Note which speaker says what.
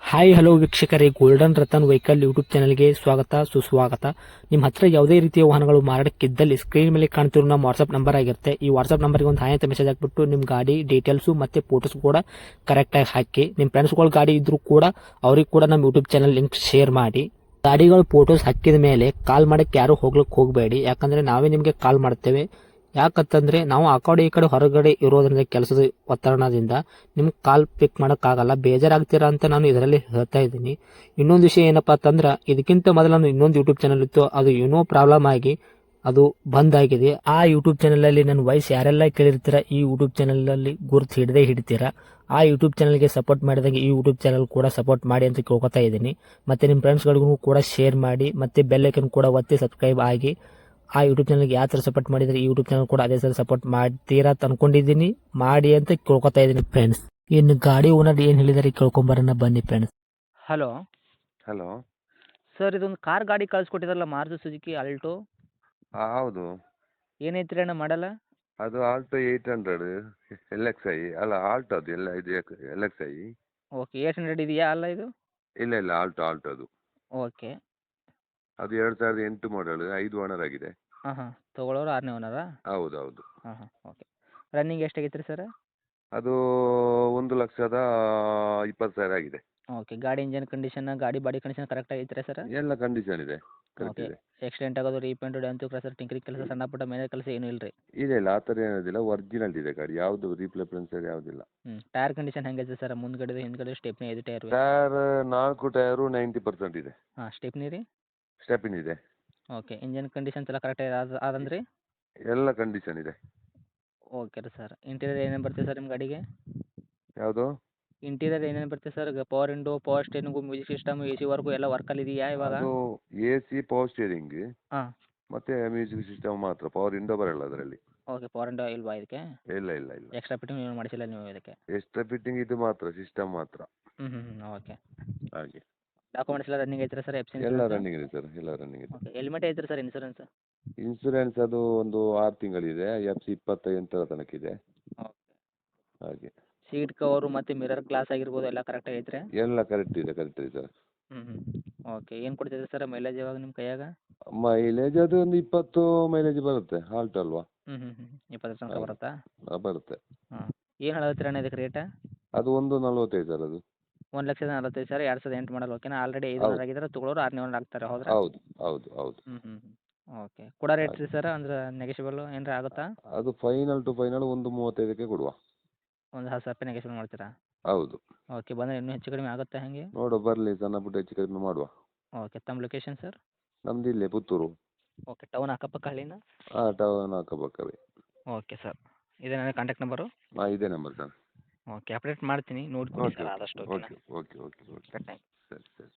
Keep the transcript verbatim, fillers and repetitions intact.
Speaker 1: Hi hello ವೀಕ್ಷಕರೇ, golden Ratan vehicle YouTube ಚಾನಲ್ಗೆ ಸ್ವಾಗತ ಸುಸ್ವಾಗತ. ನಿಮ್ಮ ಹತ್ರ ಯಾವುದೇ ರೀತಿಯ ವಾಹನಗಳು ಮಾರಾಟಕ್ಕಿದ್ದಲ್ಲಿ ಸ್ಕ್ರೀನ್ ಮೇಲೆ ಕಾಣ್ತಿರೋ ನಮ್ಮ ವಾಟ್ಸ್ಆಪ್ ನಂಬರ್ ಆಗಿರುತ್ತೆ. ಈ ವಾಟ್ಸ್ಆಪ್ ನಂಬರ್ಗೆ ಒಂದು ಹಾಯ್ ಅಂತ ಮೆಸೇಜ್ ಹಾಕ್ಬಿಟ್ಟು ನಿಮ್ಮ ಗಾಡಿ ಡೀಟೇಲ್ಸು ಮತ್ತೆ ಫೋಟೋಸ್ ಕೂಡ ಕರೆಕ್ಟಾಗಿ ಹಾಕಿ. ನಿಮ್ಮ ಫ್ರೆಂಡ್ಸ್ಗಳ ಗಾಡಿ ಇದ್ರೂ ಕೂಡ ಅವ್ರಿಗೆ ಕೂಡ ನಮ್ಮ ಯೂಟ್ಯೂಬ್ ಚಾನಲ್ ಲಿಂಕ್ ಶೇರ್ ಮಾಡಿ. ಗಾಡಿಗಳು ಫೋಟೋಸ್ ಹಾಕಿದ ಮೇಲೆ ಕಾಲ್ ಮಾಡಕ್ಕೆ ಯಾರು ಹೋಗ್ಲಿಕ್ಕೆ ಹೋಗಬೇಡಿ, ಯಾಕಂದ್ರೆ ನಾವೇ ನಿಮಗೆ ಕಾಲ್ ಮಾಡ್ತೇವೆ. ಯಾಕಂತಂದ್ರೆ ನಾವು ಆ ಕಡೆ ಈ ಕಡೆ ಹೊರಗಡೆ ಇರೋದ್ರಿಂದ ಕೆಲಸದ ಒತ್ತಡದಿಂದ ನಿಮ್ಗೆ ಕಾಲ್ ಪಿಕ್ ಮಾಡೋಕ್ಕಾಗಲ್ಲ, ಬೇಜಾರಾಗ್ತೀರಾ ಅಂತ ನಾನು ಇದರಲ್ಲಿ ಹೇಳ್ತಾ ಇದ್ದೀನಿ. ಇನ್ನೊಂದು ವಿಷಯ ಏನಪ್ಪಾ ಅಂತಂದ್ರೆ, ಇದಕ್ಕಿಂತ ಮೊದಲು ನಾನು ಇನ್ನೊಂದು ಯೂಟ್ಯೂಬ್ ಚಾನಲ್ ಇತ್ತು, ಅದು ಏನೋ ಪ್ರಾಬ್ಲಮ್ ಆಗಿ ಅದು ಬಂದ್ ಆಗಿದೆ. ಆ ಯೂಟ್ಯೂಬ್ ಚಾನಲ್ ಅಲ್ಲಿ ನನ್ನ ವಾಯ್ಸ್ ಯಾರೆಲ್ಲ ಕೇಳಿರ್ತೀರಾ, ಈ ಯೂಟ್ಯೂಬ್ ಚಾನಲ್ ಅಲ್ಲಿ ಗುರುತು ಹಿಡದೆ ಹಿಡಿತೀರಾ. ಆ ಯೂಟ್ಯೂಬ್ ಚಾನಲ್ಗೆ ಸಪೋರ್ಟ್ ಮಾಡಿದಾಗ ಈ ಯೂಟ್ಯೂಬ್ ಚಾನಲ್ ಕೂಡ ಸಪೋರ್ಟ್ ಮಾಡಿ ಅಂತ ಕೇಳ್ಕೊತಾ ಇದ್ದೀನಿ. ಮತ್ತೆ ನಿಮ್ಮ ಫ್ರೆಂಡ್ಸ್ಗಳಿಗೂ ಕೂಡ ಶೇರ್ ಮಾಡಿ, ಮತ್ತೆ ಬೆಲ್ ಐಕನ್ ಕೂಡ ಒತ್ತಿ ಸಬ್ಸ್ಕ್ರೈಬ್ ಆಗಿ. ಆ ಯೂಟ್ಯೂಬ್ ಚಾನಲ್ಗೆ ಯಾವ ಥರ ಸಪೋರ್ಟ್ ಮಾಡಿದರೆ ಈ ಯೂಟ್ಯೂಬ್ ಚಾನಲ್ ಕೂಡ ಅದೇ ಥರ ಸಪೋರ್ಟ್ ಮಾಡ್ತೀರಾ ಅಂತ ಅನ್ಕೊಂಡಿದ್ದೀನಿ. ಮಾಡಿ ಅಂತ ಕೇಳ್ಕೊತಾ ಇದ್ದೀನಿ ಫ್ರೆಂಡ್ಸ್. ಇನ್ನು ಗಾಡಿ ಓನರ್ ಏನು ಹೇಳಿದಾರೆ ಕೇಳ್ಕೊಂಬರೋಣ ಬನ್ನಿ ಫ್ರೆಂಡ್ಸ್.
Speaker 2: Hello
Speaker 3: hello.
Speaker 2: ಸರ್, ಇದೊಂದು ಕಾರ್ ಗಾಡಿ ಕಳಿಸ್ಕೊಟ್ಟಿದ್ರಲ್ಲ, ಮಾರುತಿ ಸುಜುಕಿ ಆಲ್ಟೋ.
Speaker 3: ಹಾಂ ಹೌದು.
Speaker 2: ಏನೈತ್ರಿ ಅಣ್ಣ ಮಾಡಲ್ಲ?
Speaker 3: ಅದು Alto eight hundred L X I ಅಲ್ಲ, ಆಲ್ಟೋ ಅದು ಎಲ್ಲ ಇದು L X I.
Speaker 2: Okay, eight hundred ಇದೆಯಾ ಅಲ್ಲ ಇದು?
Speaker 3: ಇಲ್ಲ ಇಲ್ಲ, ಆಲ್ಟೋ ಆಲ್ಟೋ ಅದು.
Speaker 2: ಓಕೆ.
Speaker 3: ಅದು ಎರಡು ಸಾವಿರದ ಎಂಟು ಮಾಡಲ್, ಐದು ಓನರ್ ಆಗಿದೆ.
Speaker 2: ಹಾಂ ಹಾಂ, ತೊಗೊಳೋರು ಆರನೇ ಓನರಾ?
Speaker 3: ಹೌದು ಹೌದು.
Speaker 2: ಹಾಂ ಹಾಂ, ಓಕೆ. ರನ್ನಿಂಗ್ ಎಷ್ಟಾಗೈತೆ ರೀ ಸರ್?
Speaker 3: ಅದು ಒಂದು ಲಕ್ಷದ ಇಪ್ಪತ್ತು ಸಾವಿರ ಆಗಿದೆ.
Speaker 2: ಓಕೆ. ಗಾಡಿ ಇಂಜನ್ ಕಂಡೀಷನ್, ಗಾಡಿ ಬಾಡಿ ಕಂಡೀಷನ್ ಕರೆಕ್ಟ್ ಆಗೈತೆ ಸರ್?
Speaker 3: ಎಲ್ಲ ಕಂಡೀಷನ್ ಇದೆ, ಕರೆಕ್ಟ್
Speaker 2: ಓಕೆ.
Speaker 3: ಇದೆ.
Speaker 2: ಆಕ್ಸಿಡೆಂಟ್ ಆಗೋದು, ರೀಪೇಂಟು, ಡ್ಯಾಂತು, ಕ್ರಸರ್, ಟಿಂಕರಿಂಗ್ ಕೆಲಸ, ಸಣ್ಣ ಪುಟ್ಟ ಮೇಲೆ ಕೆಲಸ ಏನೂ ಇಲ್ಲ ರೀ?
Speaker 3: ಇಲ್ಲ ಇಲ್ಲ, ಆ ಥರ ಏನಿದಿಲ್ಲ, ಒರಿಜಿನಲ್ ಇದೆ ಗಾಡಿ, ಯಾವುದು ರೀಪ್ಲೇಸ್ಮೆಂಟ್ ಯಾವುದಿಲ್ಲ.
Speaker 2: ಹ್ಞೂ. ಟೈರ್ ಕಂಡೀಷನ್ ಹೆಂಗೈತೆ ಸರ್? ಮುಂದ್ಗಡೆ ಹಿಂದ್ಗಡೆ ಸ್ಟೆಪ್ನಿ ಐದು ಟೈರ್?
Speaker 3: ಟೈರ್ ನಾಲ್ಕು ಟೈರು ನೈಂಟಿ ಪರ್ಸೆಂಟ್ ಇದೆ.
Speaker 2: ಹಾಂ, ಸ್ಟೆಪ್ನಿ ರೀ?
Speaker 3: ಸ್ಟೆಪಿನ್ ಇದೆ.
Speaker 2: ಓಕೆ. ಇಂಜನ್ ಕಂಡೀಷನ್ಸ್ ಎಲ್ಲ ಕರೆಕ್ಟ್ ಆದ ಆದಂದ್ರಿ?
Speaker 3: ಎಲ್ಲ ಕಂಡೀಷನ್ ಇದೆ.
Speaker 2: ಓಕೆ ರೀ ಸರ್. ಇಂಟೀರಿಯರ್ ಏನೇನು ಬರ್ತದೆ ಸರ್ ನಿಮ್ಮ ಗಾಡಿಗೆ?
Speaker 3: ಯಾವುದು?
Speaker 2: ಇಂಟೀರಿಯರ್ ಏನೇನು ಬರುತ್ತೆ sir? Power window, power steering, music system, A C work ಎಲ್ಲ ವರ್ಕಲ್ಲಿ ಇದೆಯಾ ಇವಾಗ?
Speaker 3: ಅದು ಎ ಸಿ, ಪವರ್ ಸ್ಟೇರಿಂಗ್
Speaker 2: ಹಾಂ.
Speaker 3: ಮತ್ತೆ ಮ್ಯೂಸಿಕ್ ಸಿಸ್ಟಮ್ ಮಾತ್ರ, ಪವರ್ ವಿಂಡೋ ಬರಲ್ಲ ಅದರಲ್ಲಿ.
Speaker 2: ಓಕೆ. ಪವರ್ ವಿಂಡೋ ಇಲ್ವಾ ಇದಕ್ಕೆ?
Speaker 3: ಇಲ್ಲ ಇಲ್ಲ ಇಲ್ಲ.
Speaker 2: ಎಕ್ಸ್ಟ್ರಾ ಫಿಟ್ಟಿಂಗ್ ಏನು ಮಾಡಿಸಿಲ್ಲ ನೀವು ಇದಕ್ಕೆ?
Speaker 3: ಎಕ್ಸ್ಟ್ರಾ ಫಿಟ್ಟಿಂಗ್ ಇದು ಮಾತ್ರ, ಸಿಸ್ಟಮ್ ಮಾತ್ರ.
Speaker 2: ಹ್ಞೂ ಹ್ಞೂ ಹ್ಞೂ, ಓಕೆ.
Speaker 3: ಹಾಗೆ
Speaker 2: ಡಾಕ್ಯುಮೆಂಟ್ಸ್ ಎಲ್ಲ ರನ್ನಿಂಗ್ ಐತ್ರಿ ಸರ್? ಎಫ್ ಸಿ
Speaker 3: ಎಲ್ಲ
Speaker 2: ಇನ್ಸೂರೆನ್ಸ್?
Speaker 3: ರನ್ನಿಂಗ್ ಇದೆ ಸರ್, ಎಲ್ಲ ರನ್ನಿಂಗ್ ಇದೆ.
Speaker 2: ಓಕೆ. ಹೆಲ್ಮೆಟ್ ಐತ್ರಿ ಸರ್ ಇನ್ಸೂರೆನ್ಸ್?
Speaker 3: ಇನ್ಸೂರೆನ್ಸ್ ಅದು ಒಂದು ಆರು ತಿಂಗಳಿದೆ, ಎಫ್ ಸಿ ಇಪ್ಪತ್ತೈದರ ತನಕ ಇದೆ.
Speaker 2: ಓಕೆ.
Speaker 3: ಹಾಗೆ
Speaker 2: ಸೀಟ್ ಕವರು ಮತ್ತು ಮಿರರ್ ಗ್ಲಾಸ್ ಆಗಿರ್ಬೋದು ಎಲ್ಲ ಕರೆಕ್ಟ್ ಐತ್ರಿ?
Speaker 3: ಎಲ್ಲ ಕರೆಕ್ಟ್ ಇದೆ, ಕರೆಕ್ಟ್ ಇದೆ ಸರ್.
Speaker 2: ಹ್ಞೂ ಹ್ಞೂ, ಓಕೆ. ಏನು ಕೊಡ್ತಿದೆ ಸರ್ ಮೈಲೇಜ್ ಇವಾಗ ನಿಮ್ಮ ಕೈಯಾಗ?
Speaker 3: ಮೈಲೇಜ್ ಅದು ಒಂದು ಇಪ್ಪತ್ತು ಮೈಲೇಜ್ ಬರುತ್ತೆ, ಹಾಲ್ಟ್ ಅಲ್ವಾ.
Speaker 2: ಹ್ಞೂ ಹ್ಞೂ ಹ್ಞೂ, ಇಪ್ಪತ್ತರ ತನಕ
Speaker 3: ಹಾಗೆ.
Speaker 2: ಬರುತ್ತಾ?
Speaker 3: ಆ, ಬರುತ್ತೆ.
Speaker 2: ಹಾಂ. ಏನು ಹೇಳತ್ತೀರ ಅಣ್ಣ ಇದಕ್ಕೆ ರೇಟ?
Speaker 3: ಅದು ಒಂದು ನಲ್ವತ್ತೈದು ಸರ್ ಅದು.
Speaker 2: ಒಂದು ಲಕ್ಷದ ನಲವತ್ತೈದು ಸಾವಿರ, ಎರಡು ಸಾವಿರದ ಎಂಟು ಮಾಡಲ್. ಓಕೆನಾ? ಆಲ್ರೆಡಿ ಐದು
Speaker 3: ಹೌದು
Speaker 2: ಓನರ್ ಆಗಿದ್ದಾರೆ, ತೊಗೊಳೋರು ಆರನೇ ಓನರ್ ಆಗ್ತಾರೆ, ಹೌದ್ರಾ?
Speaker 3: ಹೌದು ಹೌದು ಹೌದು.
Speaker 2: ಹ್ಞೂ ಹ್ಞೂ ಹ್ಞೂ, ಓಕೆ. ಕೊಡೋ ರೇಟ್
Speaker 3: ಹಾಗೆ
Speaker 2: ರೀ ಸರ್, ಅಂದ್ರೆ ನೆಗೆಷಿಬಲ್ ಏನಾರ ಆಗುತ್ತಾ?
Speaker 3: ಅದು ಫೈನಲ್ ಟು ಫೈನಲ್ ಒಂದು ಮೂವತ್ತೈದಕ್ಕೆ ಕೊಡುವ.
Speaker 2: ಒಂದು ಹತ್ತು ಸಾವಿರ ರೂಪಾಯಿ ನೆಗೆಷಿಬಲ್ ಮಾಡ್ತೀರಾ?
Speaker 3: ಹೌದು.
Speaker 2: ಓಕೆ. ಬಂದರೆ ಇನ್ನೂ ಹೆಚ್ಚು ಕಡಿಮೆ ಆಗುತ್ತಾ ಹೇಗೆ?
Speaker 3: ನೋಡುವ, ಬರಲಿ, ಸಣ್ಣ ಪುಟ್ಟ ಹೆಚ್ಚು ಕಡಿಮೆ ಮಾಡುವ.
Speaker 2: ಓಕೆ. ತಮ್ಮ ಲೊಕೇಶನ್ ಸರ್?
Speaker 3: ನಮ್ದು ಇಲ್ಲೇ ಪುತ್ತೂರು.
Speaker 2: ಓಕೆ. ಟೌನ್ ಅಕ್ಕಪಕ್ಕ ಹಳ್ಳಿನ?
Speaker 3: ಹಾಂ, ಟೌನ್ ಅಕ್ಕಪಕ್ಕವೇ.
Speaker 2: Okay sir. ಇದೇ ನನ್ನ ಕಾಂಟ್ಯಾಕ್ಟ್ ನಂಬರು?
Speaker 3: ಹಾಂ, ಇದೇ ನಂಬರ್ ಸರ್.
Speaker 2: ಓಕೆ. ಅಪ್ಡೇಟ್ ಮಾಡ್ತೀನಿ, ನೋಡ್ತೀನಿ
Speaker 3: ಓಕೆ
Speaker 2: ಸರ್
Speaker 3: ಓಕೆ
Speaker 2: ಆದಷ್ಟು. ಓಕೆನಾ?
Speaker 3: Okay okay okay okay.
Speaker 2: Thank you.
Speaker 3: ಸರಿ ಸರಿ.